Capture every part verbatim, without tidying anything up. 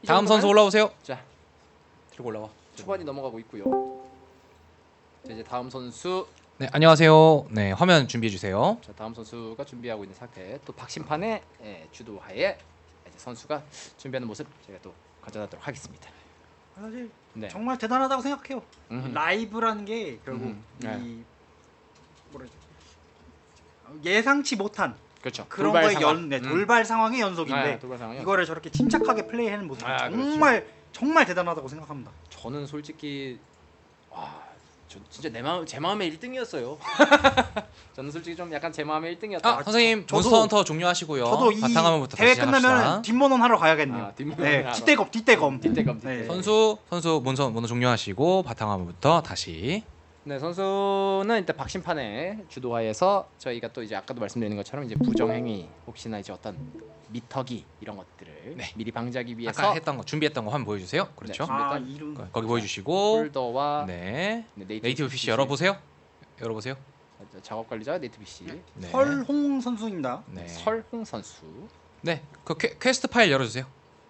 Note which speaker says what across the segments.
Speaker 1: 다음 선수 올라오세요.
Speaker 2: 자,
Speaker 1: 들고 올라와.
Speaker 2: 초반이 넘어가고 있고요. 자, 이제 다음 선수.
Speaker 1: 네, 안녕하세요. 네, 화면 준비해 주세요.
Speaker 2: 자, 다음 선수가 준비하고 있는 상태. 또 박심판의 예, 주도하에 이제 선수가 준비하는 모습 제가 또 가져다도록 하겠습니다.
Speaker 3: 사실
Speaker 2: 네.
Speaker 3: 정말 대단하다고 생각해요.
Speaker 2: 음흠.
Speaker 3: 라이브라는 게 결국
Speaker 2: 음흠. 네.
Speaker 3: 이 뭐라 예상치 못한
Speaker 2: 그렇죠.
Speaker 3: 그런
Speaker 2: 돌발
Speaker 3: 거의
Speaker 2: 상황.
Speaker 3: 연 네,
Speaker 2: 음.
Speaker 3: 돌발 상황의 연속인데
Speaker 2: 네, 돌발 상황이요.
Speaker 3: 이거를 저렇게 침착하게 플레이하는 모습이
Speaker 2: 아,
Speaker 3: 정말 정말 대단하다고 생각합니다.
Speaker 2: 저는 솔직히 와, 저 진짜 내 마음 제 마음의 일 등이었어요. 저는 솔직히 좀 약간 제 마음의 일 등이었다.
Speaker 1: 아, 선생님
Speaker 3: 저도-
Speaker 1: 몬스터 헌터 종료하시고요.
Speaker 3: 저도 이
Speaker 1: 바탕화면부터
Speaker 3: 대회
Speaker 1: 다시
Speaker 3: 끝나면
Speaker 1: 시작합시다.
Speaker 3: 뒷모논 하러 가야겠네요.
Speaker 2: 아, 뒷모논
Speaker 3: 네,
Speaker 2: 하러.
Speaker 3: 뒷대검 뒷대검.
Speaker 2: 뒷대검,
Speaker 3: 네.
Speaker 2: 뒷대검.
Speaker 1: 선수 선수 몬스터 몬스터 종료하시고 바탕화면부터 다시.
Speaker 2: 네, 선수는 일단 박심판의 주도하에서 저희가 또 이제 아까도 말씀드린 것처럼 이제 부정행위 혹시나 이제 어떤 미터기 이런 것들을
Speaker 1: 네.
Speaker 2: 미리 방지하기 위해서
Speaker 1: 아까 했던 거 준비했던 거 한번 보여주세요. 그렇죠.
Speaker 2: 네,
Speaker 3: 아,
Speaker 2: 준비했던
Speaker 3: 이름
Speaker 1: 거- 거기 보여주시고.
Speaker 2: 폴더와
Speaker 1: 네.
Speaker 2: 네, 네이티브,
Speaker 1: 네이티브 피씨 열어보세요. 열어보세요.
Speaker 2: 자, 작업 관리자 네이티브 피씨
Speaker 1: 네.
Speaker 3: 설홍 선수입니다.
Speaker 1: 네.
Speaker 2: 설홍 선수.
Speaker 1: 네. 그 퀘, 퀘스트 파일 열어주세요.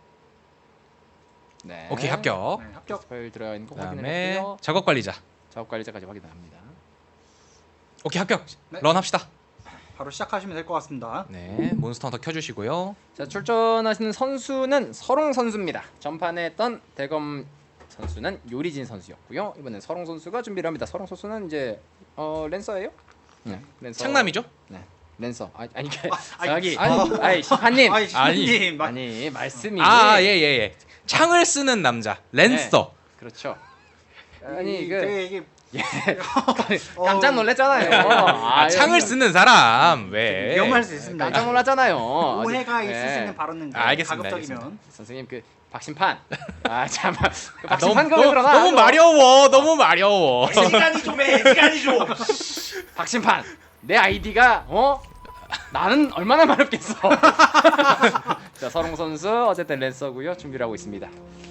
Speaker 2: 네.
Speaker 1: 오케이, 합격.
Speaker 3: 네, 합격.
Speaker 2: 파일 들어가 있는 거
Speaker 1: 그다음에
Speaker 2: 확인했고요.
Speaker 1: 작업 관리자.
Speaker 2: 작업 관리자까지 확인을 합니다.
Speaker 1: 오케이, 합격.
Speaker 3: 네.
Speaker 1: 런 합시다.
Speaker 3: 바로 시작하시면 될 것 같습니다.
Speaker 1: 네. 몬스터 헌터 켜주시고요.
Speaker 2: 자, 출전하시는 선수는 설홍 선수입니다. 전판에 했던 대검 선수는 요리진 선수였고요. 이번엔 설홍 선수가 준비를 합니다. 설홍 선수는 이제 어 랜서예요? 네, 랜서.
Speaker 1: 창남이죠?
Speaker 2: 네, 랜서. 아, 아니 그
Speaker 3: 아니,
Speaker 2: 저기
Speaker 1: 아니,
Speaker 2: 아니, 아니 심판님.
Speaker 3: 아니,
Speaker 1: 아니.
Speaker 3: 신님 마-
Speaker 2: 아니 말씀이
Speaker 1: 아, 예, 예, 예. 창을 쓰는 남자. 랜서.
Speaker 2: 그렇죠.
Speaker 3: 아니
Speaker 2: 아니
Speaker 3: 이
Speaker 2: 그
Speaker 3: 되게 이게
Speaker 2: 깜짝 놀랐잖아요.
Speaker 1: 아,
Speaker 2: 아,
Speaker 1: 창을 쓰는 사람. 왜?
Speaker 3: 위험할 수 있습니다.
Speaker 2: 깜짝 놀랐잖아요.
Speaker 3: 오해가
Speaker 2: 아직-
Speaker 3: 있을
Speaker 2: 네.
Speaker 3: 수 있는 발언은
Speaker 1: 아, 알겠습니다,
Speaker 3: 가급적이면
Speaker 2: 선생님 그 박심판. 아 잠깐. 그
Speaker 1: 아, 너무,
Speaker 2: 박심판 거에
Speaker 1: 너무,
Speaker 2: 들어가.
Speaker 1: 너무 마려워. 너무 마려워.
Speaker 3: 시간이 좀해 시간이 좀.
Speaker 2: 박심판. 내 아이디가 어? 나는 얼마나 마렵겠어. 자, 서롱 선수 어쨌든 랜서고요. 준비를 하고 있습니다.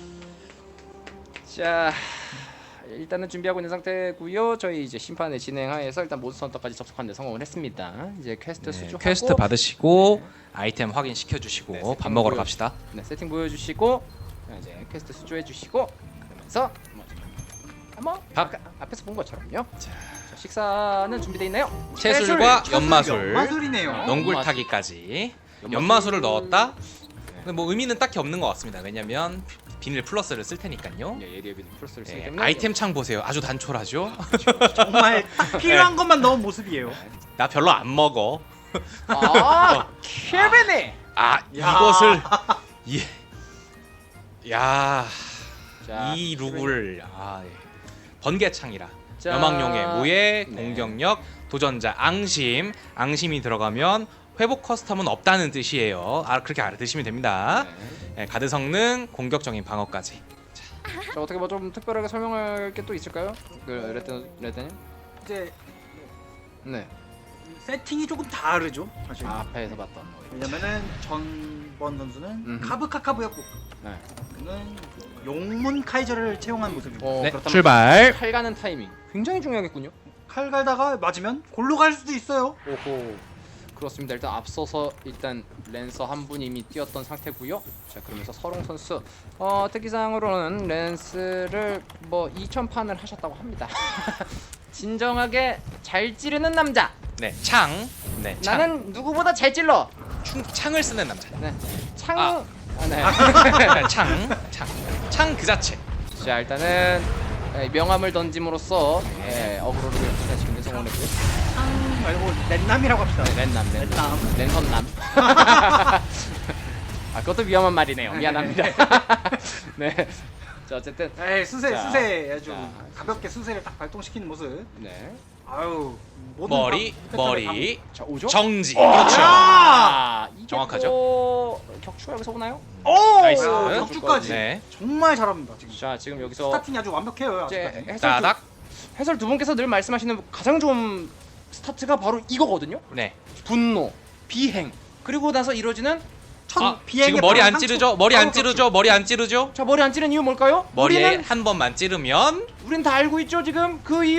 Speaker 2: 자, 일단은 준비하고 있는 상태고요. 저희 이제 심판의 진행하에서 일단 몬스터 헌터까지 접속하는 데 성공을 했습니다. 이제 퀘스트
Speaker 1: 네,
Speaker 2: 수주하고
Speaker 1: 퀘스트 받으시고 아이템 확인시켜 주시고
Speaker 2: 네,
Speaker 1: 밥
Speaker 2: 세팅
Speaker 1: 먹으러
Speaker 2: 보여-
Speaker 1: 갑시다.
Speaker 2: 네, 세팅 보여주시고 이제 퀘스트 수주해 주시고 그러면서 한번
Speaker 1: 밥.
Speaker 2: 아까 앞에서 본 것처럼요. 자, 식사는 준비되어 있나요?
Speaker 1: 채술과
Speaker 3: 채술,
Speaker 1: 연마술,
Speaker 3: 연마술이네요.
Speaker 2: 어.
Speaker 1: 농굴 타기까지.
Speaker 2: 연마술-
Speaker 1: 연마술을 넣었다. 근데 뭐 의미는 딱히 없는 것 같습니다. 왜냐면 비닐 플러스를 쓸 테니까요.
Speaker 2: 예, 예리에 비는 플러스를 쓰기
Speaker 1: 예,
Speaker 2: 때문에
Speaker 1: 아이템 창 보세요. 아주 단촐하죠.
Speaker 3: 정말 딱 필요한 것만 넣은 모습이에요.
Speaker 1: 나 별로 안 먹어.
Speaker 2: 아, 케빈이.
Speaker 1: 아,
Speaker 3: 야.
Speaker 1: 이것을 예. 야,
Speaker 2: 자,
Speaker 1: 이 룩을 아, 예. 번개창이라.
Speaker 2: 자,
Speaker 1: 여망용의 모예,
Speaker 2: 네.
Speaker 1: 공격력, 도전자, 앙심. 앙심이 들어가면 회복 커스텀은 없다는 뜻이에요. 아, 그렇게 알아두시면 됩니다.
Speaker 2: 네.
Speaker 1: 예, 가드 성능, 공격적인 방어까지.
Speaker 2: 자, 어떻게 뭐 좀 특별하게 설명할 게 또 있을까요? 그 레드 레드님?
Speaker 3: 이제
Speaker 2: 네.
Speaker 3: 세팅이 조금 다르죠. 사실.
Speaker 2: 아, 앞에서 봤던 거.
Speaker 3: 왜냐면은 전번 선수는
Speaker 2: 음흠.
Speaker 3: 카브카카브였고
Speaker 2: 네.
Speaker 3: 그는 용문 카이저를 채용한 모습이고
Speaker 2: 어,
Speaker 1: 네,
Speaker 2: 그렇다면
Speaker 1: 출발.
Speaker 2: 칼 가는 타이밍 굉장히 중요하겠군요.
Speaker 3: 칼 갈다가 맞으면 골로 갈 수도 있어요.
Speaker 2: 오호. 그렇습니다. 일단 앞서서 일단 랜서 한 분이 이미 뛰었던 상태고요. 자, 그러면서 서롱 선수 어, 특기사항으로는 랜스를 뭐 이천 판을 하셨다고 합니다. 진정하게 잘 찌르는 남자.
Speaker 1: 네, 창. 네, 창.
Speaker 2: 나는 누구보다 잘 찔러.
Speaker 1: 충, 창을 쓰는 남자.
Speaker 2: 네. 창.
Speaker 1: 아.
Speaker 2: 아, 네.
Speaker 1: 창, 창, 창 그 자체.
Speaker 2: 자, 일단은 예, 명함을 던짐으로써 예, 어그로를 분산시키는 데 성공했고요.
Speaker 3: 창 말고 랜남이라고 합시다.
Speaker 2: 랜남, 랜남,
Speaker 3: 랜남.
Speaker 2: 랜선남. 아, 그것도 위험한 말이네요. 미안합니다. 네. 자, 어쨌든
Speaker 3: 에이 수세
Speaker 2: 자,
Speaker 3: 수세 아주
Speaker 2: 자.
Speaker 3: 가볍게 수세를 딱 발동시키는 모습.
Speaker 2: 네.
Speaker 3: 아유 모든
Speaker 1: 머리,
Speaker 3: 방-
Speaker 1: 머리,
Speaker 2: 자, 오죠?
Speaker 1: 정지.
Speaker 3: 어!
Speaker 1: 그렇죠.
Speaker 2: 아, 이게
Speaker 1: 정확하죠?
Speaker 2: 또 격추가 여기서 오나요?
Speaker 3: 오
Speaker 1: 나이스.
Speaker 3: 야, 격주까지
Speaker 1: 네,
Speaker 3: 정말 잘합니다 지금.
Speaker 2: 자, 지금 여기서
Speaker 3: 스타팅이 아주 완벽해요
Speaker 2: 이제
Speaker 3: 아직까지.
Speaker 2: 해설 두,
Speaker 1: 따닥.
Speaker 2: 해설 두 분께서 늘 말씀하시는 가장 좋은 스타트가 바로 이거거든요.
Speaker 1: 네.
Speaker 2: 분노, 비행, 그리고 나서 이루어지는
Speaker 3: 첫
Speaker 1: 아,
Speaker 3: 비행의
Speaker 1: 지금 머리
Speaker 3: 바로
Speaker 1: 안
Speaker 3: 상처.
Speaker 1: 찌르죠? 머리 안
Speaker 3: 바로
Speaker 1: 찌르죠? 머리 안 찌르죠?
Speaker 2: 자, 머리 안 찌른 이유 뭘까요?
Speaker 1: 머리에
Speaker 2: 우리는
Speaker 1: 한 번만 찌르면
Speaker 2: 우린 다 알고 있죠 지금 그 이유?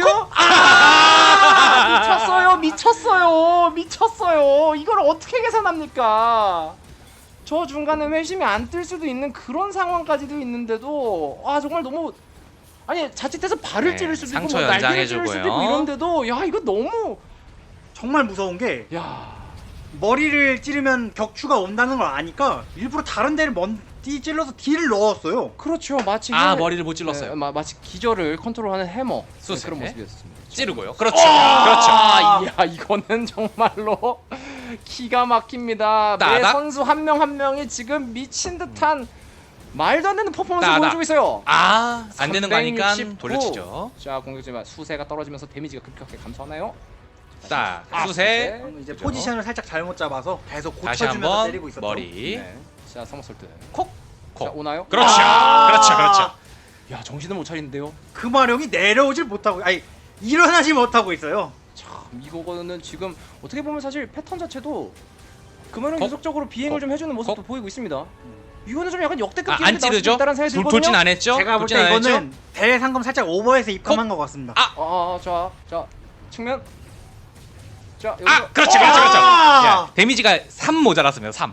Speaker 2: 아! 미쳤어요, 미쳤어요, 미쳤어요. 이걸 어떻게 계산합니까? 저 중간에 회심이 안 뜰 수도 있는 그런 상황까지도 있는데도 아 정말 너무 아니 자칫해서 발을
Speaker 1: 네,
Speaker 2: 찌를 수도 있고
Speaker 1: 상처
Speaker 2: 뭐 날개를 찌를
Speaker 1: 연장해주고요.
Speaker 2: 수도 있고 이런데도 야 이거 너무
Speaker 3: 정말 무서운 게
Speaker 2: 야
Speaker 3: 머리를 찌르면 격추가 온다는 걸 아니까 일부러 다른 데를 먼디 찔러서 딜을 넣었어요.
Speaker 2: 그렇죠 마치
Speaker 1: 아
Speaker 2: 해-
Speaker 1: 머리를 못 찔렀어요.
Speaker 2: 네, 마, 마치 기절을 컨트롤하는 해머 네,
Speaker 1: 수세.
Speaker 2: 그런 모습이었습니다.
Speaker 1: 찌르고요. 그렇죠. 그렇죠.
Speaker 2: 아, 이야 이거는 정말로 기가 막힙니다. 매
Speaker 1: 따닥.
Speaker 2: 선수 한 명 한 명이 지금 미친 듯한 말도 안 되는 퍼포먼스를
Speaker 1: 따닥.
Speaker 2: 보여주고 있어요.
Speaker 1: 아, 안 되는 거 아니까
Speaker 2: 삼백육십구.
Speaker 1: 돌려치죠.
Speaker 2: 자 공격지만 수세가 떨어지면서 데미지가 급격하게 감소하나요?
Speaker 1: 딱
Speaker 2: 아,
Speaker 1: 수세.
Speaker 3: 방금 이제
Speaker 2: 그죠?
Speaker 3: 포지션을 살짝 잘못 잡아서 계속
Speaker 1: 다시
Speaker 3: 고쳐주면서
Speaker 1: 한번
Speaker 3: 때리고 있었죠.
Speaker 1: 머리.
Speaker 2: 네. 자 서머솔트.
Speaker 1: 콕.
Speaker 2: 자
Speaker 1: 콕.
Speaker 2: 오나요?
Speaker 1: 그렇죠.
Speaker 3: 아.
Speaker 1: 그렇죠. 그렇죠.
Speaker 2: 야 정신을 못 차리는데요.
Speaker 3: 금화룡이 내려오질 못하고 아니 일어나지 못하고 있어요.
Speaker 2: 참 이거는 지금 어떻게 보면 사실 패턴 자체도 그만큼
Speaker 1: 콕.
Speaker 2: 계속적으로 비행을
Speaker 1: 콕.
Speaker 2: 좀 해주는 모습도
Speaker 1: 콕.
Speaker 2: 보이고 있습니다. 이거는 좀 약간 역대급
Speaker 1: 아,
Speaker 2: 기록이
Speaker 1: 안 찌르죠?
Speaker 2: 있다는 생각이
Speaker 1: 돌,
Speaker 2: 들거든요.
Speaker 1: 돌진 안 했죠?
Speaker 3: 제가 볼
Speaker 1: 돌진
Speaker 3: 때
Speaker 1: 안 했죠?
Speaker 3: 이거는 대회 상금 살짝 오버해서 입금한 것 같습니다.
Speaker 1: 아!
Speaker 2: 아, 자, 자, 측면. 자, 여기.
Speaker 1: 아, 그렇죠. 그렇죠. 그렇죠.
Speaker 3: 아!
Speaker 1: 야, 데미지가 삼 모자랐습니다. 삼.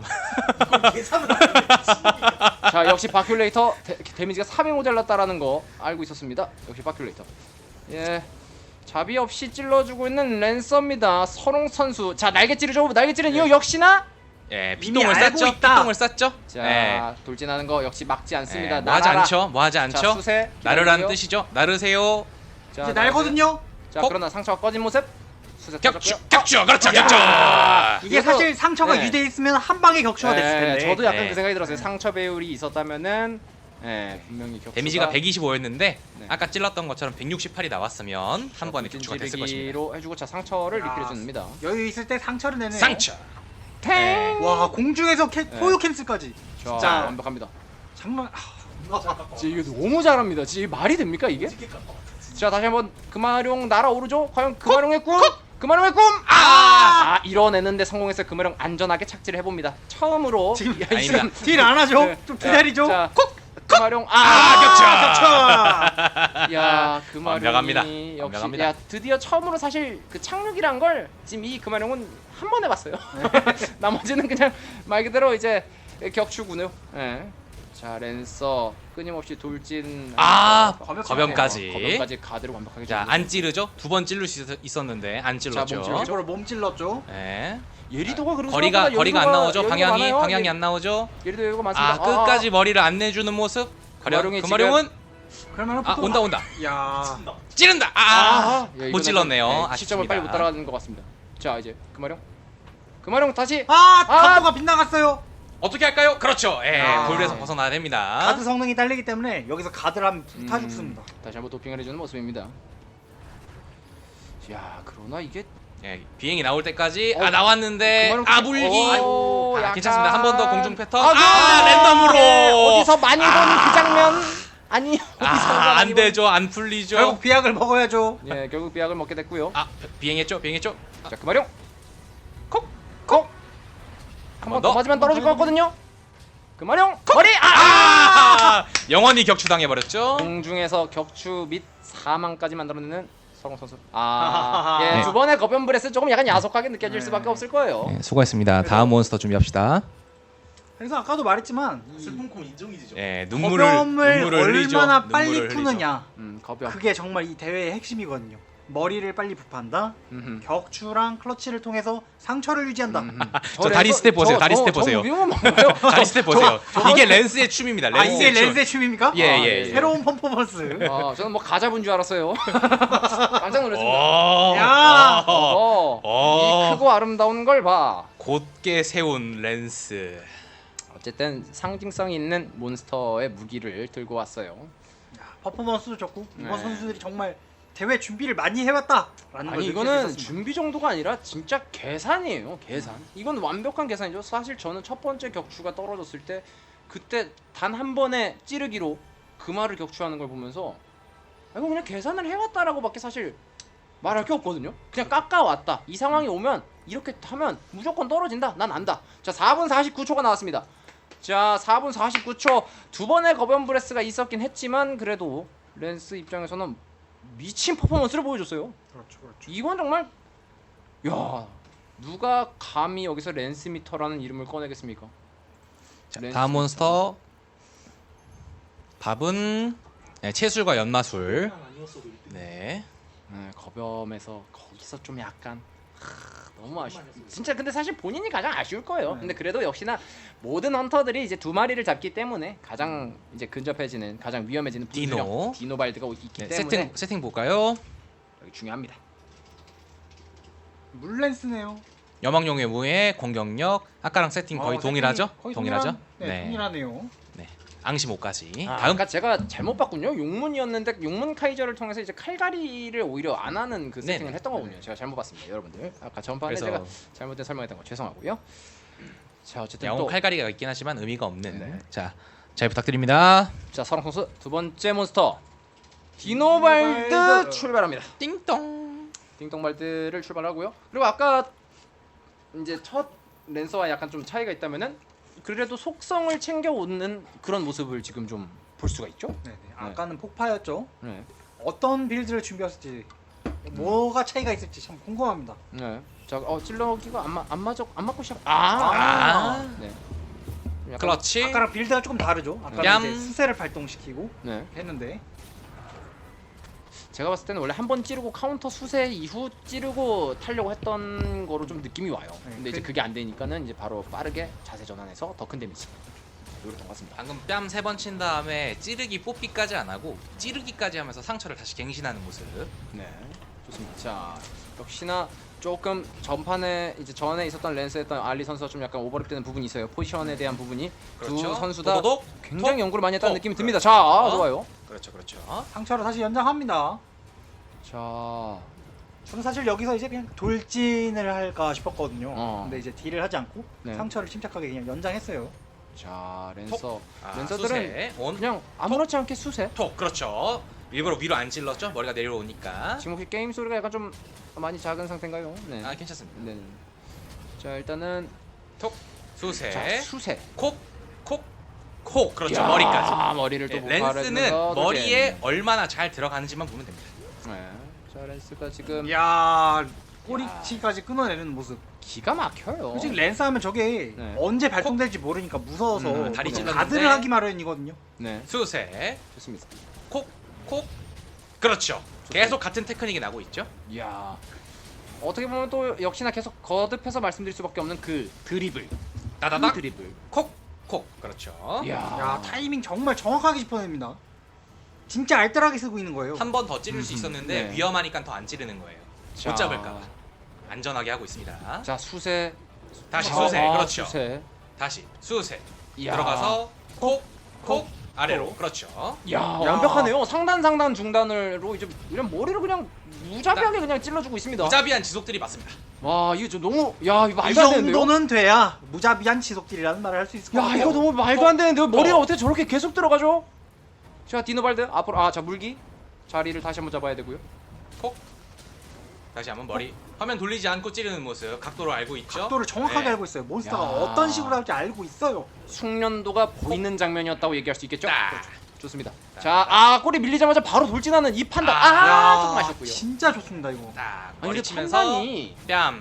Speaker 2: 자, 역시 바큘레이터 데, 데미지가 삼이 모자랐다라는 거 알고 있었습니다. 역시 바큘레이터. 예. 자비 없이 찔러주고 있는 랜서입니다. 서롱 선수. 자, 날개 찌르죠. 날개 찌른 이유 역시나.
Speaker 1: 예,
Speaker 3: 이미
Speaker 1: 피똥을
Speaker 3: 알고
Speaker 1: 쌌죠.
Speaker 3: 있다.
Speaker 1: 피똥을 쌌죠.
Speaker 2: 자,
Speaker 1: 예.
Speaker 2: 돌진하는 거 역시 막지 않습니다.
Speaker 1: 예, 뭐 하지
Speaker 2: 날아라.
Speaker 1: 않죠. 뭐 하지
Speaker 2: 자,
Speaker 1: 않죠.
Speaker 2: 수세.
Speaker 1: 나르라는
Speaker 2: 기다리고요.
Speaker 1: 뜻이죠. 나르세요.
Speaker 2: 자,
Speaker 3: 이제
Speaker 2: 날개.
Speaker 3: 날거든요.
Speaker 2: 자,
Speaker 1: 콕.
Speaker 2: 그러나 상처가 꺼진 모습. 수세
Speaker 1: 격추.
Speaker 2: 터졌고요.
Speaker 1: 격추. 그렇죠.
Speaker 3: 야.
Speaker 1: 격추.
Speaker 3: 이게
Speaker 2: 이것도-
Speaker 3: 사실 상처가
Speaker 2: 네.
Speaker 3: 유지돼 있으면 한 방에 격추가 됐을
Speaker 2: 네,
Speaker 3: 텐데.
Speaker 2: 저도 약간
Speaker 1: 네.
Speaker 2: 그 생각이 들었어요. 상처 배율이 있었다면은 예, 분명히 격추가
Speaker 1: 데미지가 백이십오였는데
Speaker 2: 네.
Speaker 1: 아까 찔렀던 것처럼 백육십팔이 나왔으면 한 번에 격추가 됐을 것입니다.
Speaker 2: 찌르기로 해주고 자 상처를
Speaker 3: 야.
Speaker 2: 리필해 줍니다.
Speaker 3: 여유 있을 때 상처를 내네요.
Speaker 1: 상처.
Speaker 2: 탱.
Speaker 3: 와 공중에서 캐,
Speaker 2: 네.
Speaker 3: 포유 캔슬까지.
Speaker 2: 자,
Speaker 3: 진짜
Speaker 2: 완벽합니다.
Speaker 3: 정말 아,
Speaker 2: 진짜 이게 너무 잘합니다. 진짜 이게 말이 됩니까 이게? 자 다시 한번 금화룡 날아오르죠. 과연 금화룡의 꿈? 금화룡의 꿈! 아! 아 이뤄내는데 성공해서 금화룡 안전하게 착지를 해봅니다. 처음으로
Speaker 3: 지금
Speaker 2: 야,
Speaker 1: 아닙니다.
Speaker 2: 지금
Speaker 3: 딜 안 하죠?
Speaker 2: 네.
Speaker 3: 좀 기다리죠.
Speaker 2: 자, 금화룡 아,
Speaker 1: 아,
Speaker 3: 격차.
Speaker 2: 야 금화룡이
Speaker 1: 완벽합니다.
Speaker 2: 역시
Speaker 1: 완벽합니다.
Speaker 2: 야 드디어 처음으로 사실 그 착륙이란 걸 지금 이 금화룡은 한 번 해봤어요. 나머지는 그냥 말 그대로 이제 격추군요. 예. 자 랜서 끊임없이 돌진.
Speaker 1: 아,
Speaker 3: 거변-
Speaker 1: 거변까지.
Speaker 2: 거변까지 가드를 완벽하게.
Speaker 1: 자,
Speaker 2: 줍니다.
Speaker 1: 안 찌르죠? 두 번 찔릴 수 있- 있었는데 안 찔렀죠.
Speaker 2: 몸 찔렀죠.
Speaker 3: 저를 몸 찔렀죠.
Speaker 1: 예.
Speaker 2: 예리도가 그리고
Speaker 1: 거리가
Speaker 2: 생각보다
Speaker 1: 거리가 안
Speaker 2: 여유가-
Speaker 1: 나오죠.
Speaker 2: 여유가
Speaker 1: 방향이
Speaker 2: 많아요.
Speaker 1: 방향이
Speaker 2: 예,
Speaker 1: 안 나오죠.
Speaker 2: 예리도 여유가 많습니다.
Speaker 1: 아, 끝까지 머리를 안 내주는 모습. 과연
Speaker 2: 금화룡이
Speaker 1: 금화룡은
Speaker 3: 그러면
Speaker 1: 아, 온다 온다.
Speaker 3: 야.
Speaker 1: 찌른다. 아,
Speaker 2: 아, 예,
Speaker 1: 못
Speaker 2: 이거는
Speaker 1: 찔렀네요.
Speaker 2: 좀, 예,
Speaker 1: 아쉽습니다.
Speaker 2: 시점을 빨리 못 따라가는 것 같습니다. 자 이제 금화룡. 금화룡 다시.
Speaker 3: 아,
Speaker 2: 아!
Speaker 3: 각도가 빗나갔어요.
Speaker 1: 어떻게 할까요? 그렇죠. 예,
Speaker 3: 아.
Speaker 1: 볼에서 벗어나야 됩니다.
Speaker 3: 가드 성능이 딸리기 때문에 여기서 가드를 하면 불타
Speaker 2: 음,
Speaker 3: 죽습니다.
Speaker 2: 다시 한번 도핑을 해주는 모습입니다. 야 그러나 이게
Speaker 1: 예, 비행이 나올 때까지
Speaker 2: 어,
Speaker 1: 아 나왔는데
Speaker 2: 금화룡
Speaker 1: 아 물기.
Speaker 2: 오,
Speaker 1: 아,
Speaker 2: 약간-
Speaker 1: 괜찮습니다. 한 번 더 공중 패턴.
Speaker 2: 아,
Speaker 1: 아,
Speaker 2: 그-
Speaker 1: 랜덤으로.
Speaker 2: 예, 어디서 많이 본
Speaker 1: 아.
Speaker 2: 그 장면 아니 어디서
Speaker 1: 아,
Speaker 2: 많이
Speaker 1: 안 되죠. 안 풀리죠.
Speaker 3: 결국 비약을 먹어야죠.
Speaker 2: 본- 예 결국 비약을 먹게 됐고요.
Speaker 1: 아, 비행했죠. 비행했죠.
Speaker 2: 자 금화룡 콕 콕. 한 번 더
Speaker 1: 더.
Speaker 2: 맞으면 떨어질 것 같거든요. 금화룡 머리 아!
Speaker 1: 아! 영원히 격추당해 버렸죠.
Speaker 2: 공중에서 격추 및 사망까지 만들어내는 서롱 선수. 아, 예,
Speaker 1: 네.
Speaker 2: 두 번의 거변 브레스 조금 약간 야속하게 느껴질
Speaker 3: 네.
Speaker 2: 수밖에 없을 거예요.
Speaker 1: 네, 수고했습니다. 다음 몬스터 준비합시다.
Speaker 3: 그래서 아까도 말했지만 이
Speaker 4: 슬픈 콤 인정이죠.
Speaker 1: 예, 눈물을
Speaker 3: 거변을
Speaker 1: 눈물을 흘리죠.
Speaker 3: 얼마나 빨리
Speaker 1: 눈물을 흘리죠.
Speaker 3: 푸느냐.
Speaker 2: 음, 거변.
Speaker 3: 그게 정말 이 대회의 핵심이거든요. 머리를 빨리 부판다.
Speaker 2: 음흠.
Speaker 3: 격추랑 클러치를 통해서 상처를 유지한다.
Speaker 2: 음흠.
Speaker 1: 저 다리
Speaker 2: 랜서-
Speaker 1: 스텝 보세요.
Speaker 2: 저-
Speaker 1: 다리
Speaker 2: 저-
Speaker 1: 스텝
Speaker 2: 저
Speaker 1: 보세요.
Speaker 2: 위험한 건가요?
Speaker 1: 다리 스텝 보세요. 이게 랜스의 춤입니다.
Speaker 3: 아
Speaker 1: 랜스의
Speaker 3: 이게
Speaker 1: 춤.
Speaker 3: 랜스의 춤입니까?
Speaker 1: 예,
Speaker 2: 아,
Speaker 1: 예,
Speaker 2: 예.
Speaker 1: 예.
Speaker 3: 새로운 퍼포먼스.
Speaker 2: 아, 저는 뭐 가자분 줄 알았어요. 깜짝 놀랐습니다.
Speaker 1: 오.
Speaker 3: 야.
Speaker 2: 어,
Speaker 1: 어.
Speaker 2: 이 크고 아름다운 걸 봐.
Speaker 1: 곧게 세운 랜스.
Speaker 2: 어쨌든 상징성 있는 몬스터의 무기를 들고 왔어요.
Speaker 3: 퍼포먼스도 좋고 이번
Speaker 2: 네.
Speaker 3: 선수들이 정말 대회 준비를 많이 해왔다라는 걸
Speaker 2: 아니
Speaker 3: 느낄 수
Speaker 2: 이거는
Speaker 3: 있었습니다.
Speaker 2: 준비 정도가 아니라 진짜 계산이에요. 계산. 이건 완벽한 계산이죠. 사실 저는 첫 번째 격추가 떨어졌을 때 그때 단 한 번의 찌르기로 금화를 격추하는 걸 보면서 아, 이거 그냥 계산을 해왔다라고밖에 사실 말할 게 없거든요. 그냥 깎아왔다. 이 상황이 오면 이렇게 하면 무조건 떨어진다. 난 안다. 자 사 분 사십구 초가 나왔습니다. 자 사 분 사십구 초 두 번의 거변 브레스가 있었긴 했지만 그래도 랜스 입장에서는 미친 퍼포먼스를 보여줬어요.
Speaker 3: 그렇죠, 그렇죠.
Speaker 2: 이건 정말 야 누가 감히 여기서 랜스미터라는 이름을 꺼내겠습니까?
Speaker 1: 자,
Speaker 2: 렌스
Speaker 1: 다음 몬스터 밥은 네, 채술과 연마술. 네.
Speaker 2: 네, 거점에서 거기서 좀 약간 하, 너무 아쉬. 진짜 근데 사실 본인이 가장 아쉬울 거예요.
Speaker 3: 네.
Speaker 2: 근데 그래도 역시나 모든 헌터들이 이제 두 마리를 잡기 때문에 가장 이제 근접해지는 가장 위험해지는
Speaker 1: 디노.
Speaker 2: 분수령 디노발드가 있기
Speaker 1: 네,
Speaker 2: 때문에
Speaker 1: 세팅 세팅 볼까요?
Speaker 2: 여기 중요합니다.
Speaker 3: 물렌스네요.
Speaker 1: 여망용의 무의 공격력 아까랑 세팅 거의
Speaker 3: 어,
Speaker 1: 동일하죠?
Speaker 3: 세팅이 거의
Speaker 1: 동일하죠?
Speaker 3: 동일한, 네, 동일하네요.
Speaker 1: 앙심 오까지.
Speaker 2: 아,
Speaker 1: 다음
Speaker 2: 아까 제가 잘못 봤군요. 용문이었는데 용문 카이저를 통해서 이제 칼갈이를 오히려 안 하는 그 세팅을
Speaker 1: 네네.
Speaker 2: 했던 거군요. 제가 잘못 봤습니다, 여러분들. 아까 전판에
Speaker 1: 그래서
Speaker 2: 제가 잘못된 설명했던 거 죄송하고요. 자 어쨌든
Speaker 1: 야옹
Speaker 2: 또
Speaker 1: 칼갈이가 있긴 하지만 의미가 없는.
Speaker 2: 네.
Speaker 1: 자, 잘 부탁드립니다.
Speaker 2: 자 서랑 선수 두 번째 몬스터 디노발드
Speaker 3: 디노발드.
Speaker 2: 출발합니다.
Speaker 1: 띵동.
Speaker 2: 띵동발드를 출발하고요. 그리고 아까 이제 첫 랜서와 약간 좀 차이가 있다면은 그래도 속성을 챙겨 오는 그런 모습을 지금 좀 볼 수가 있죠.
Speaker 3: 네, 네. 아까는 폭파였죠.
Speaker 2: 네.
Speaker 3: 어떤 빌드를 준비했을지, 뭐가 차이가 있을지 참 궁금합니다.
Speaker 2: 네. 자, 어 찔러기가 안, 마, 안 맞아 안 맞고 시작. 아.
Speaker 1: 아.
Speaker 2: 네. 약간-
Speaker 1: 그렇지.
Speaker 3: 아까랑 빌드가 조금 다르죠. 아까는
Speaker 1: 얌.
Speaker 3: 이제 수세를 발동시키고
Speaker 2: 네.
Speaker 3: 했는데
Speaker 2: 제가 봤을 때는 원래 한 번 찌르고 카운터 수세 이후 찌르고 타려고 했던 거로 좀 느낌이 와요.
Speaker 3: 네,
Speaker 2: 근데 이제
Speaker 3: 그-
Speaker 2: 그게 안 되니까는 이제 바로 빠르게 자세 전환해서 더 큰 데미지 노렸던 것 같습니다.
Speaker 1: 방금 뺨 세 번 친 다음에 찌르기 뽀삐까지 안 하고 찌르기까지 하면서 상처를 다시 갱신하는 모습.
Speaker 2: 네, 좋습니다. 자, 역시나 조금 전판에 이제 전에 있었던 랜스했던 알리 선수가 좀 약간 오버랩되는 부분이 있어요. 포지션에 대한 부분이
Speaker 1: 그렇죠.
Speaker 2: 두 선수 다
Speaker 1: 도도독.
Speaker 2: 굉장히
Speaker 1: 톡,
Speaker 2: 연구를 많이 했다는
Speaker 1: 톡.
Speaker 2: 느낌이 듭니다. 자, 아,
Speaker 1: 어?
Speaker 2: 좋아요.
Speaker 1: 그렇죠, 그렇죠.
Speaker 3: 상처로 다시 연장합니다.
Speaker 2: 자,
Speaker 3: 저는 사실 여기서 이제 그냥 돌진을 할까 싶었거든요.
Speaker 2: 어.
Speaker 3: 근데 이제 딜을 하지 않고
Speaker 2: 네.
Speaker 3: 상처를 침착하게 그냥 연장했어요.
Speaker 2: 자 랜서
Speaker 1: 아,
Speaker 2: 랜서들은
Speaker 1: 수세, 온,
Speaker 2: 그냥 아무렇지 않게 수세.
Speaker 1: 톡. 그렇죠. 일부러 위로 안 찔렀죠? 머리가 내려오니까.
Speaker 2: 지금 혹시 게임 소리가 약간 좀 많이 작은 상태인가요? 네.
Speaker 1: 아, 괜찮습니다.
Speaker 2: 네. 자 일단은
Speaker 1: 톡. 수세.
Speaker 2: 자 수세.
Speaker 1: 콕. 콕. 콕. 그렇죠.
Speaker 2: 야,
Speaker 1: 머리까지.
Speaker 2: 머리를 또
Speaker 1: 네,
Speaker 2: 목발을
Speaker 1: 렌스는
Speaker 2: 해주면서
Speaker 1: 머리에
Speaker 2: 도전.
Speaker 1: 얼마나 잘 들어가는지만 보면 됩니다.
Speaker 2: 네. 자 렌스가 지금
Speaker 3: 이야 꼬리치까지 끊어내는 모습.
Speaker 2: 기가 막혀요.
Speaker 3: 솔직히 랜스 하면 저게
Speaker 2: 네.
Speaker 3: 언제 발동될지 모르니까 무서워서
Speaker 1: 음, 다리
Speaker 3: 그냥
Speaker 1: 찔렀는데.
Speaker 3: 가드를 하기 마련이거든요.
Speaker 2: 네.
Speaker 1: 수세.
Speaker 2: 좋습니다.
Speaker 1: 콕. 콕. 그렇죠. 계속 같은 테크닉이 나고 있죠.
Speaker 2: 이야. 어떻게 보면 또 역시나 계속 거듭해서 말씀드릴 수밖에 없는 그 드리블.
Speaker 1: 따다닥.
Speaker 2: 그 드리블.
Speaker 1: 콕. 콕. 그렇죠.
Speaker 2: 이야.
Speaker 3: 야 타이밍 정말 정확하게 짚어냅니다. 진짜 알뜰하게 쓰고 있는 거예요.
Speaker 1: 한 번 더 찌를 수
Speaker 2: 음,
Speaker 1: 있었는데
Speaker 2: 네.
Speaker 1: 위험하니까 더 안 찌르는 거예요.
Speaker 2: 자.
Speaker 1: 못 잡을까봐. 안전하게 하고 있습니다.
Speaker 2: 자 수세.
Speaker 1: 다시
Speaker 2: 아,
Speaker 1: 수세.
Speaker 2: 아,
Speaker 1: 그렇죠.
Speaker 2: 수세.
Speaker 1: 다시 수세.
Speaker 2: 이야.
Speaker 1: 들어가서 콕. 콕. 아래로. 그렇죠.
Speaker 2: 야, 완벽하네요. 상단 상단 중단으로 이제 그냥 머리를 그냥 무자비하게 그냥 찔러주고 있습니다.
Speaker 1: 무자비한 지속들이 맞습니다.
Speaker 2: 와 이거 좀 너무 야 이거
Speaker 3: 이
Speaker 2: 말도 안 되는데요.
Speaker 3: 정도는 돼야 무자비한 지속딜이라는 말을 할 수 있을 것
Speaker 2: 야
Speaker 3: 같아요.
Speaker 2: 이거 너무 말도 안 되는데요. 머리가
Speaker 1: 어.
Speaker 2: 어떻게 저렇게 계속 들어가죠? 자 디노발드 앞으로 아자 물기 자리를 다시 한번 잡아야 되고요.
Speaker 1: 콕. 다시 한번 머리. 화면 돌리지 않고 찌르는 모습. 각도를 알고 있죠.
Speaker 3: 각도를 정확하게
Speaker 1: 네.
Speaker 3: 알고 있어요. 몬스터가
Speaker 2: 야.
Speaker 3: 어떤 식으로 할지 알고 있어요.
Speaker 2: 숙련도가 보이는 장면이었다고 얘기할 수 있겠죠?
Speaker 1: 딱.
Speaker 2: 그렇죠. 좋습니다.
Speaker 1: 딱.
Speaker 2: 자 아 꼬리 밀리자마자 바로 돌진하는 이 판단. 아,
Speaker 1: 아,
Speaker 2: 조금 아쉽고요.
Speaker 3: 진짜 좋습니다 이거.
Speaker 1: 딱.
Speaker 2: 아니
Speaker 1: 머리
Speaker 2: 근데
Speaker 1: 치면서
Speaker 2: 판단이
Speaker 1: 뺨.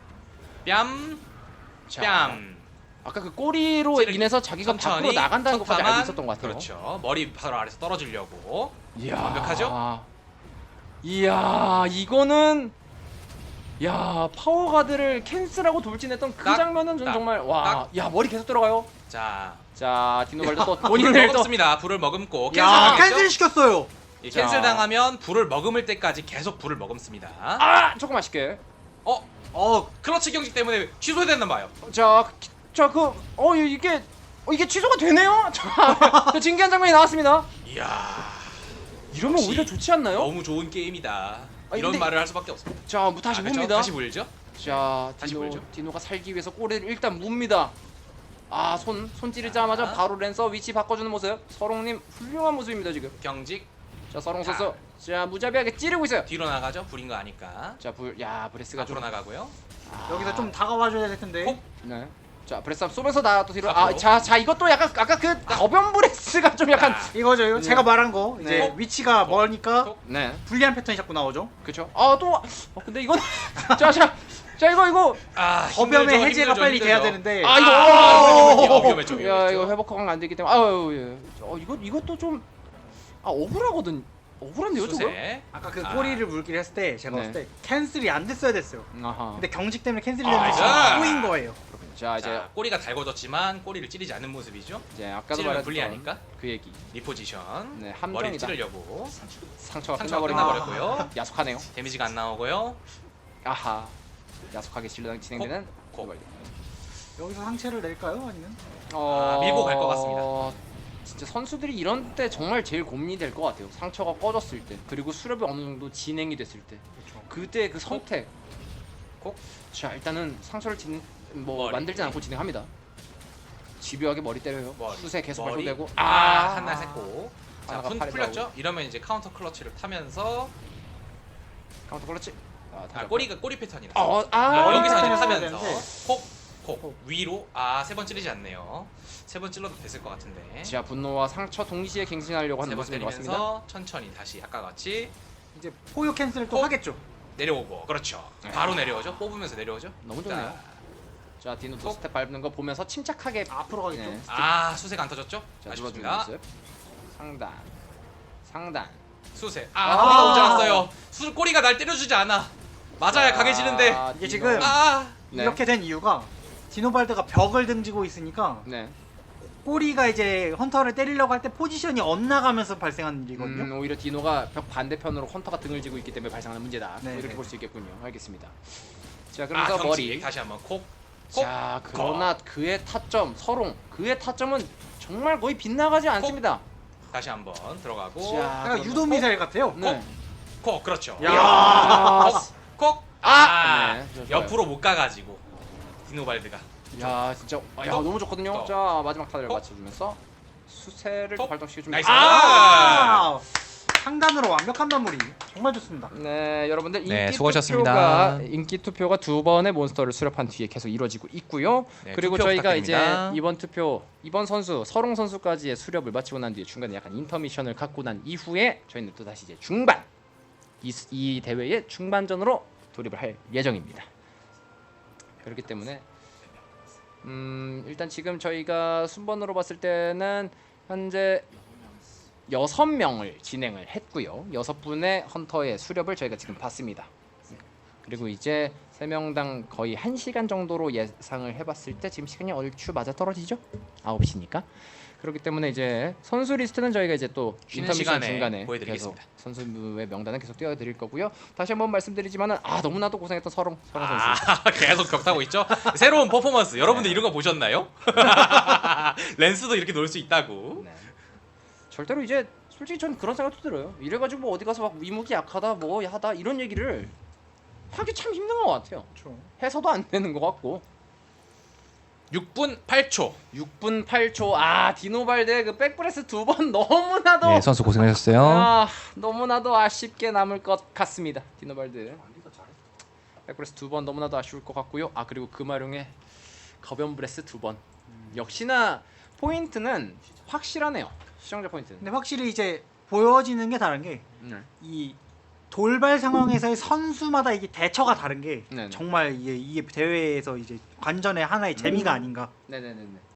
Speaker 1: 뺨.
Speaker 2: 자,
Speaker 1: 뺨.
Speaker 2: 아까 그 꼬리로
Speaker 1: 찌르기.
Speaker 2: 인해서 자기가 밖으로
Speaker 1: 천천히
Speaker 2: 나간다는 것까지
Speaker 1: 속도만.
Speaker 2: 알고 있었던 것 같아요.
Speaker 1: 그렇죠. 머리 바로 아래서 떨어지려고.
Speaker 2: 이야.
Speaker 1: 완벽하죠?
Speaker 2: 이야 이거는 야 파워가드를 캔슬하고 돌진했던 그
Speaker 1: 딱,
Speaker 2: 장면은 전
Speaker 1: 딱,
Speaker 2: 정말 와 야 머리 계속 들어가요.
Speaker 1: 자.
Speaker 2: 자 디노발드 또
Speaker 1: 불을
Speaker 2: 본인을 또
Speaker 1: 먹었습니다. 불을 머금고 캔슬
Speaker 3: 야
Speaker 1: 당했죠?
Speaker 3: 캔슬 시켰어요.
Speaker 1: 이
Speaker 2: 자.
Speaker 1: 캔슬 당하면 불을 머금을 때까지 계속 불을 머금습니다.
Speaker 2: 아 조금 아쉽게.
Speaker 1: 어?
Speaker 3: 어
Speaker 1: 클러치 경직 때문에 취소됐나 봐요.
Speaker 2: 자자그어 이게 어, 이게 취소가 되네요. 자 또 진기한 장면이 나왔습니다.
Speaker 1: 이야.
Speaker 2: 이러면
Speaker 1: 역시
Speaker 2: 오히려 좋지 않나요?
Speaker 1: 너무 좋은 게임이다.
Speaker 2: 아니,
Speaker 1: 이런
Speaker 2: 근데-
Speaker 1: 말을 할 수밖에 없습니다.
Speaker 2: 자 뭐 다시
Speaker 1: 아, 그렇죠?
Speaker 2: 봅니다.
Speaker 1: 다시 물죠?
Speaker 2: 자
Speaker 1: 다시
Speaker 2: 디노
Speaker 1: 물죠.
Speaker 2: 디노가 살기 위해서 꼬리를 일단 뭅니다. 아 손 손 찌르자마자
Speaker 1: 자.
Speaker 2: 바로 랜서 위치 바꿔주는 모습. 서롱님 훌륭한 모습입니다 지금.
Speaker 1: 경직
Speaker 2: 자 서롱
Speaker 1: 자.
Speaker 2: 선수 자 무자비하게 찌르고 있어요.
Speaker 1: 뒤로 나가죠. 불인 거 아니까.
Speaker 2: 자불야 브레스가
Speaker 1: 앞으로
Speaker 2: 좀
Speaker 1: 나가고요.
Speaker 2: 아,
Speaker 3: 여기서 좀 다가와줘야 될 텐데.
Speaker 1: 콕.
Speaker 2: 네. 자 브레스 쏘면서 나 또 뒤로
Speaker 1: 앞으로.
Speaker 2: 아자 자 이것도 약간 아까 그 거변 브레스가 좀 약간
Speaker 1: 자,
Speaker 3: 이거죠. 이거
Speaker 2: 네.
Speaker 3: 제가 말한 거 이제
Speaker 2: 네.
Speaker 3: 위치가
Speaker 1: 톡.
Speaker 3: 멀니까
Speaker 1: 톡.
Speaker 2: 네
Speaker 3: 불리한 패턴이 자꾸 나오죠.
Speaker 2: 그쵸 아또 어, 근데 이건 자자자 자 이거 이거
Speaker 1: 아,
Speaker 3: 거변의
Speaker 1: 힘들죠,
Speaker 3: 해제가
Speaker 1: 힘들죠,
Speaker 3: 빨리
Speaker 1: 힘들죠.
Speaker 3: 돼야 되는데.
Speaker 2: 아 이거
Speaker 1: 아,
Speaker 2: 어,
Speaker 1: 위험했죠,
Speaker 2: 야
Speaker 1: 위험했죠.
Speaker 2: 이거 회복하면 안 되기 때문에 아유 예. 어 이거 이것도 좀 아 억울하거든. 억울한데요 저거?
Speaker 1: 수세.
Speaker 3: 아까 그
Speaker 1: 아.
Speaker 3: 꼬리를 물기를 했을 때 제가
Speaker 2: 네.
Speaker 3: 봤을 때 캔슬이 안 됐어야 됐어요.
Speaker 2: 아하.
Speaker 3: 근데 경직 때문에 캔슬이
Speaker 1: 아,
Speaker 3: 됐는데
Speaker 1: 나이스.
Speaker 3: 꼬인 거예요.
Speaker 2: 자 이제
Speaker 1: 자, 꼬리가 달궈졌지만 꼬리를 찌르지 않는 모습이죠.
Speaker 2: 이제 아까도
Speaker 1: 찌르면
Speaker 2: 말했던
Speaker 1: 불리하니까.
Speaker 2: 그 얘기.
Speaker 1: 리포지션.
Speaker 2: 네,
Speaker 1: 머리
Speaker 2: 함정이다.
Speaker 1: 찌르려고.
Speaker 2: 상처가
Speaker 1: 상처가
Speaker 2: 끝나버립니다.
Speaker 1: 끝나버렸고요.
Speaker 2: 야속하네요.
Speaker 1: 데미지가 안 나오고요.
Speaker 2: 아하. 야속하게 진행 진행되는
Speaker 1: 콕.
Speaker 2: 고발리.
Speaker 3: 여기서 상체를 낼까요? 아니면?
Speaker 1: 아, 밀고 갈것 같습니다.
Speaker 2: 진짜 선수들이 이런 때 정말 제일 고민이 될 것 같아요. 상처가 꺼졌을 때, 그리고 수렵이 어느 정도 진행이 됐을 때,
Speaker 3: 그렇죠.
Speaker 2: 그때 그 선택.
Speaker 1: 콕.
Speaker 2: 자 일단은 상처를 진뭐
Speaker 1: 머리.
Speaker 2: 만들지 않고 진행합니다. 집요하게 머리 때려요.
Speaker 1: 머리.
Speaker 2: 수세 계속
Speaker 1: 머리.
Speaker 2: 발동되고.
Speaker 1: 아, 한날 샜고. 자,
Speaker 2: 하나가
Speaker 1: 푼
Speaker 2: 팔에
Speaker 1: 풀렸죠? 이러면 이제 카운터 클러치를 타면서
Speaker 2: 카운터 걸렸지. 아,
Speaker 1: 아,
Speaker 2: 다시
Speaker 1: 꼬리가 꼬리 패턴이
Speaker 2: 아,
Speaker 1: 났어.
Speaker 2: 어, 아,
Speaker 1: 아, 여기서 이제
Speaker 3: 패턴이
Speaker 1: 타면서
Speaker 3: 되는데.
Speaker 1: 콕, 콕 위로 아, 세 번 찌르지 않네요. 세 번 찔러도 됐을 것 같은데.
Speaker 2: 자 분노와 상처 동시에 갱신하려고 하는
Speaker 1: 세 번
Speaker 2: 모습인 것 같습니다.
Speaker 1: 때리면서 천천히 다시 아까 같이
Speaker 3: 이제 포효 캔슬을 또
Speaker 1: 콕.
Speaker 3: 하겠죠.
Speaker 1: 내려오고. 그렇죠. 바로 내려오죠. 뽑으면서 내려오죠.
Speaker 2: 너무 좋네요.
Speaker 1: 자,
Speaker 2: 자 디노 두
Speaker 1: 콕.
Speaker 2: 스텝 밟는 거 보면서 침착하게
Speaker 3: 앞으로 가겠죠.
Speaker 2: 네.
Speaker 1: 아, 수세가 안 터졌죠?
Speaker 2: 자 눌러주는
Speaker 1: 아쉽습니다.
Speaker 2: 모습. 상단, 상단.
Speaker 1: 수세.
Speaker 2: 아.
Speaker 1: 아, 꼬리가 오지 않았어요. 수 꼬리가 날 때려주지 않아. 맞아야
Speaker 2: 자,
Speaker 1: 강해지는데.
Speaker 3: 이게
Speaker 2: 디노.
Speaker 3: 지금
Speaker 1: 아,
Speaker 2: 네.
Speaker 3: 이렇게 된 이유가 디노발드가 벽을 등지고 있으니까
Speaker 2: 네.
Speaker 3: 꼬리가 이제 헌터를 때리려고 할 때 포지션이 엇나가면서 발생하는 일이거든요.
Speaker 2: 음, 오히려 디노가 벽 반대편으로 헌터가 등을 지고 있기 때문에 발생하는 문제다.
Speaker 3: 네,
Speaker 2: 뭐 이렇게
Speaker 3: 네.
Speaker 2: 볼 수 있겠군요. 알겠습니다. 자
Speaker 1: 아,
Speaker 2: 그러면서
Speaker 1: 경치.
Speaker 2: 머리.
Speaker 1: 다시 한번 콕. 콕.
Speaker 2: 자 그러나 그의 타점 서롱 그의 타점은 정말 거의 빗나가지 않습니다.
Speaker 1: 다시 한번 들어가고.
Speaker 2: 자
Speaker 3: 약간
Speaker 2: 그러면-
Speaker 3: 유도 미사일 같아요.
Speaker 2: 네.
Speaker 1: 콕. 그렇죠.
Speaker 3: 야.
Speaker 2: 아,
Speaker 1: 콕.
Speaker 2: 아!
Speaker 1: 아,
Speaker 2: 네, 좋아요.
Speaker 1: 옆으로 못 가가지고 디노발드가.
Speaker 2: 야 진짜 아, 야
Speaker 1: 또,
Speaker 2: 너무 좋거든요.
Speaker 1: 또.
Speaker 2: 자 마지막 타를
Speaker 1: 톡.
Speaker 2: 맞춰주면서 수세를
Speaker 1: 톡.
Speaker 2: 발동시켜줍니다.
Speaker 1: 나이스.
Speaker 3: 아! 상단으로 완벽한 마무리. 정말 좋습니다.
Speaker 2: 네 여러분들 인기
Speaker 1: 네, 수고하셨습니다.
Speaker 2: 투표가 인기 투표가 두 번의 몬스터를 수렵한 뒤에 계속 이루어지고 있고요.
Speaker 1: 네,
Speaker 2: 그리고
Speaker 1: 투표
Speaker 2: 저희가
Speaker 1: 부탁드립니다.
Speaker 2: 이제 이번 투표 이번 선수 서롱 선수까지의 수렵을 마치고 난 뒤에 중간에 약간 인터미션을 갖고 난 이후에 저희는 또 다시 이제 중반 이, 이 대회의 중반전으로 돌입을 할 예정입니다. 그렇기 때문에 음 일단 지금 저희가 순번으로 봤을 때는 현재 여섯 명을 진행을 했고요. 여섯 분의 헌터의 수렵을 저희가 지금 봤습니다. 그리고 이제 세 명당 거의 한 시간 정도로 예상을 해봤을 때 지금 시간이 얼추 맞아 떨어지죠? 아홉 시니까. 그렇기 때문에 이제 선수 리스트는 저희가 이제 또
Speaker 1: 쉬는
Speaker 2: 인터미션
Speaker 1: 시간에
Speaker 2: 중간에 계속
Speaker 1: 보여드리겠습니다.
Speaker 2: 선수의 명단은 계속 띄워드릴 거고요. 다시 한번 말씀드리지만은 아 너무나도 고생했던 서롱 서롱 선수.
Speaker 1: 아, 계속 격타고 있죠. 새로운 퍼포먼스. 여러분들 이런 거 보셨나요? 랜스도 이렇게 놀 수 있다고.
Speaker 2: 네. 절대로 이제 솔직히 전 그런 생각도 들어요. 이래가지고 뭐 어디 가서 막 위무기 약하다 뭐 하다 이런 얘기를 하기 참 힘든 것 같아요.
Speaker 3: 그렇죠.
Speaker 2: 해서도 안 되는 것 같고.
Speaker 1: 육 분 팔 초.
Speaker 2: 육 분 팔 초. 아 디노발드 그 백브레스 두 번 너무나도
Speaker 1: 네, 선수 고생하셨어요.
Speaker 2: 아 너무나도 아쉽게 남을 것 같습니다. 디노발드 백브레스 두 번 너무나도 아쉬울 것 같고요. 아 그리고 금화룡의 거변브레스 두 번. 역시나 포인트는 확실하네요. 시청자 포인트는.
Speaker 3: 근데 확실히 이제 보여지는 게 다른 게 이
Speaker 2: 네.
Speaker 3: 돌발 상황에서의 선수마다 이게 대처가 다른 게
Speaker 2: 네네.
Speaker 3: 정말 이게, 이게 대회에서 이제 관전의 하나의 재미가 아닌가.
Speaker 2: 네네네네.